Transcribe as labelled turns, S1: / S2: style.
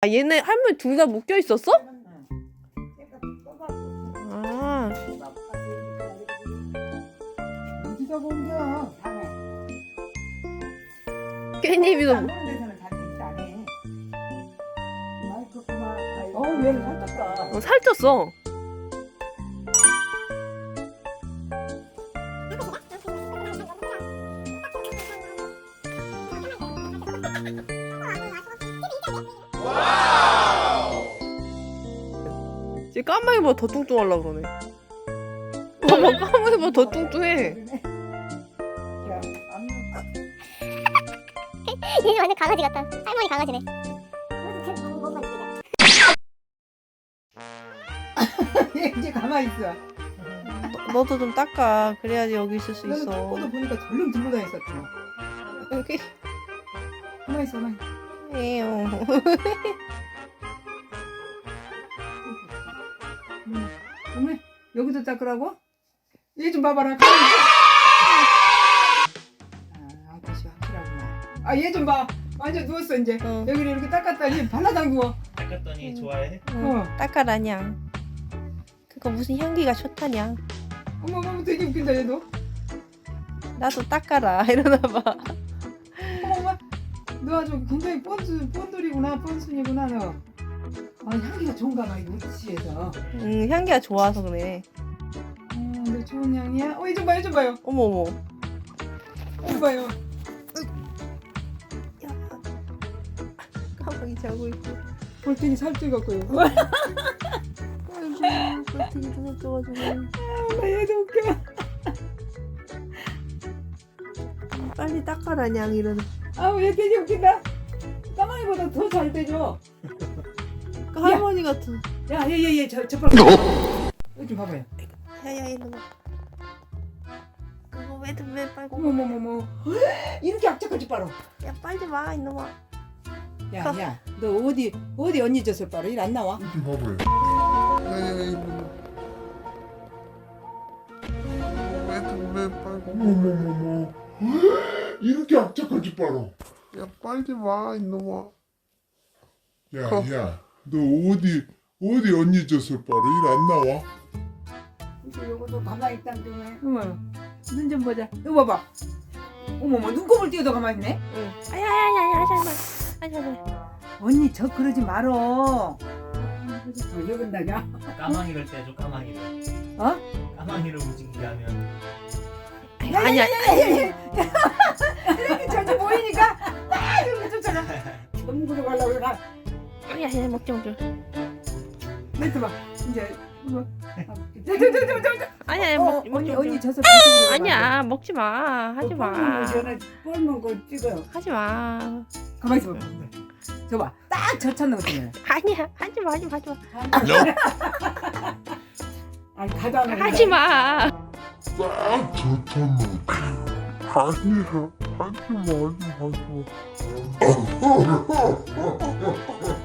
S1: 아, 얘네 할머니 둘 다 묶여 있었어? 아,
S2: 어디가 공겨?
S1: 깻잎이도
S2: 안 보는 데서는 잘 되지 안 해. 마이크 그만. 얘는 살쪘다.
S1: 살쪘어. 쟤 까마귀보다 더 뚱뚱하려고 그러네. 봐봐, 까마귀보다 더 뚱뚱해.
S3: 얘 완전 강아지 같다. 할머니 강아지네.
S2: 얘 이제 가만히 있어.
S1: 너도 좀 닦아. 그래야지 여기 있을 수
S2: 너는
S1: 있어.
S2: 똥꼬도 보니까 절름 들고 다녔었지.
S1: 여기.
S2: 가만히 있어, 가만히.
S1: 에요.
S2: 어머, 여기도 닦으라고? 얘 좀 봐봐라. 아저씨 확실하구나. 얘 좀 봐. 완전 누웠어 이제. 여기를 이렇게 닦았더니 발라당 누워.
S4: 닦았더니 좋아해?
S1: 닦아라냐. 그거 무슨 향기가 좋다냐.
S2: 어머, 되게 웃긴다 얘도.
S1: 나도 닦아라 이러나봐.
S2: 어머, 너 아주 굉장히 뻔돌이구나, 뻔순이구나 너. 향기가 좋은가 봐 이거 우치에서.
S1: 향기가 좋아서 그래.
S2: 너 좋은 향이야? 얘 좀 봐, 얘 좀 봐요.
S1: 어머.
S2: 이거 봐요.
S1: 까마귀 자고 있고.
S2: 볼테니 살쪄갖고요.
S1: 아이고, 볼테니도 살쪄가지고.
S2: 나 얘도 웃겨.
S1: 빨리 닦아라냐 이러는.
S2: 얘 되게 웃긴다. 까마귀보다 더 잘 떼줘.
S1: 그 할머니 같은.
S2: 야, 얘 저 빨리. 여기 좀 봐봐요.
S1: 야야 이놈아. 그거 왜 빨고.
S2: 어머머머머. 이렇게 악착같이 빨아.
S1: 야 빨리 와 이놈아.
S2: 야, 너 어디 언니 젖을 빨아? 일 안 나와?
S5: 이렇게 봐봐요. 왜 빨고? 어머머머머. 이렇게 악착같이 빨아. 야 빨리 와 이놈아. 야, 너 어디 언니 젖을 빨아? 일 안 나와?
S2: 요것도 가만히 있다 좀 해. 어머, 눈 좀 보자. 이거 봐봐. 어머머, 눈곱을 띄어도 가만히 있네.
S1: 응. 아야야야야 하지마.
S2: 언니 저 그러지 말어. 왜 그런다냐?
S4: 까마귀를 떼줘 까마귀를.
S2: 어?
S4: 까마귀를 움직이게 하면
S1: 아니야.
S2: 이렇게 저기 보이니까 이렇게 쫓아가. 전국으로 가려고 그러나.
S1: 야야 먹지.
S2: 멘트 봐. 이제 이거. 저.
S1: 아니야
S2: 언니 젖을
S1: 아니야 먹지 마. 하지 마.
S2: 뻘면 거 찍어요.
S1: 하지 마.
S2: 가만히 있어 봐. 저봐. 딱 저 찾는 거 같네.
S1: 아니야 하지 마.
S2: 아니 가도 안 하고.
S1: 하지 마.
S5: 딱 좋잖아. 아니야. 하지마.